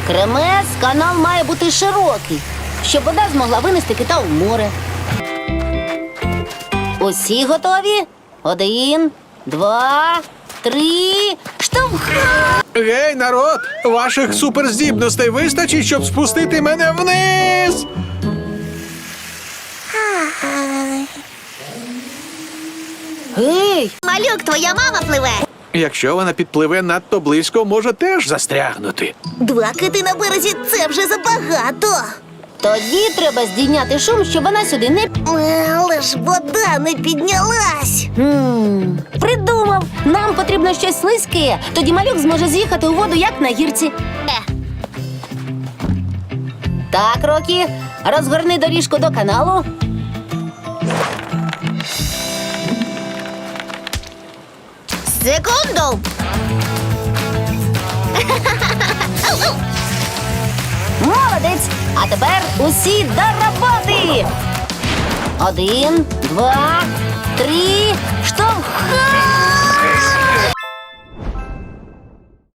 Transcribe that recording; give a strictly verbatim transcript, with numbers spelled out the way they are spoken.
Кремес, канал має бути широкий, щоб вода змогла винести кита в море. Усі готові? Один, два, три, штовхай! Гей, народ! Ваших суперздібностей вистачить, щоб спустити мене вниз! Гей! Малюк, твоя мама пливе. Якщо вона підпливе надто близько, може теж застрягнути. Два кити на березі – це вже забагато. Тоді треба здійняти шум, щоб вона сюди не... Але ж вода не піднялась. Хм, придумав! Нам потрібно щось слизьке. Тоді малюк зможе з'їхати у воду, як на гірці. Е. Так, Рокі, розгорни доріжку до каналу. Секунду. Молодець! А тепер усі до роботи! Один, два, три, штовхай!